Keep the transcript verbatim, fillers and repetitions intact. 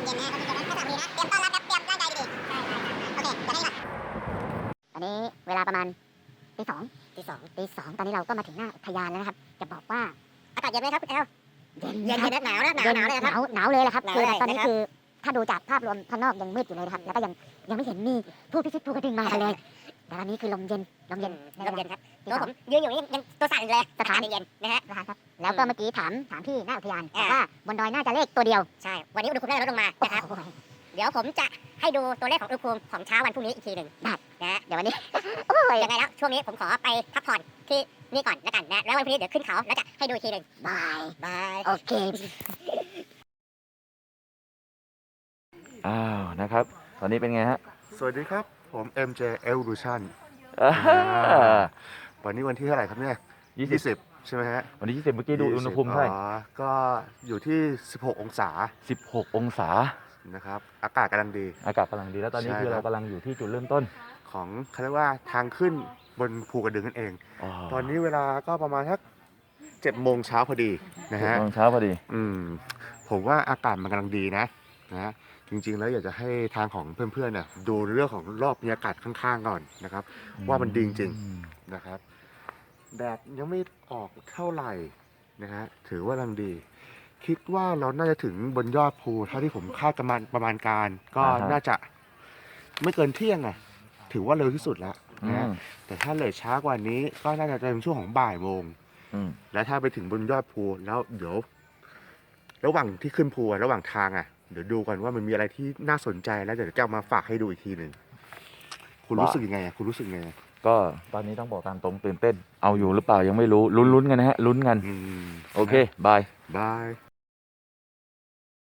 เย็นๆนะถ้าสามนาทีนะเตรียมต้อนรับครับเตรียมร่างกายดีๆโอเคเดี๋ยวให้ก่อนอันนี้เวลาประมาณตีสองตีสองตีสองตอนนี้เราก็มาถึงหน้าอุทยานแล้วนะครับจะบอกว่าอากาศเย็นไหมครับคุณแอลเย็นเย็นเย็นหนาวนะหนาวหนาวเลยครับหนาวหนาวเลยแหละครับคือตอนนี้คือถ้าดูจากภาพรวมข้างนอกยังมืดอยู่เลยครับแล้วก็ยังยังไม่เห็นมีผู้พิชิตภูกระดึงมากันเลยแต่ตอนนี้คือลมเย็นลมเย็นลมเย็นครับตัวผมยืนอยู่นี่ยังตัวสั่นเลยสถานเย็นนะฮะครับแล้วก็เมื่อกี้ถามถามพี่หน้าอุทยานบอกว่าบนดอยน่าจะเลขตัวเดียวใช่วันนี้อุณหภูมิน่าจะลดลงมานะครับเดี๋ยวผมจะให้ดูตัวเลขของอุณหภูมิของเช้าวันพรุ่งนี้อีกทีหนึ่งนะนะเดี๋ยววันนี้โอ้ยยังไงแล้วช่วงนี้ผมขอไปพักผ่อนที่นี่ก่อนแล้วกันนะแล้ววันพรุ่งนี้เดี๋ยวขึ้นเขาแล้วจะให้ดูอีกทีหนึ่งบายบายโอเคอ้าวนะครับตอนนี้เป็นไงฮะสวัสดีครับผม เอ็ม เจ Evolution อ่าวันนี้วันที่เท่าไหร่ครับเนี่ยยี่สิบใช่ไหมฮะวันที่ยี่สิบเมื่อกี้ดูอุณหภูมิเท่าไหร่อ๋อก็อยู่ที่สิบหกองศาสิบหกองศานะครับอากาศกำลังดีอากาศกำลังดีแล้วตอนนี้คือเรากำลังอยู่ที่จุดเริ่มต้นของเขาเรียกว่าทางขึ้นบนภูกระดึงนั่นเองตอนนี้เวลาก็ประมาณสักเจ็ดโมงเช้าพอดีนะฮะเจ็ดโมงเช้าพอดีอืมผมว่าอากาศมันกำลังดีนะนะจริงๆแล้วอยากจะให้ทางของเพื่อนๆเนี่ยดูเรื่องของรอบบรรยากาศข้างๆก่อนนะครับว่ามันดีจริงๆนะครับแดดยังไม่ออกเท่าไหร่นะฮะถือว่ากำลังดีคิดว่าเราน่าจะถึงบนยอดภูเท่าที่ผมคาดประมาณประมาณการก็น่าจะไม่เกินเที่ยงอ่ะถือว่าเร็วที่สุดแล้วนะแต่ถ้าเลยช้ากว่านี้ก็น่าจะเป็นช่วงของบ่ายโมงแล้วถ้าไปถึงบนยอดภูแล้วเดี๋ยวระหว่างที่ขึ้นภูระหว่างทางอ่ะเดี๋ยวดูกันว่ามันมีอะไรที่น่าสนใจแล้วเดี๋ยวจะเอามาฝากให้ดูอีกทีหนึ่งคุณรู้สึกยังไงอ่ะคุณรู้สึกยังไงก็ตอนนี้ต้องบอกตามตรงตื่นเต้นเอาอยู่หรือเปล่ายังไม่รู้ลุ้นๆกันนะฮะลุ้นกันโอเคบายบาย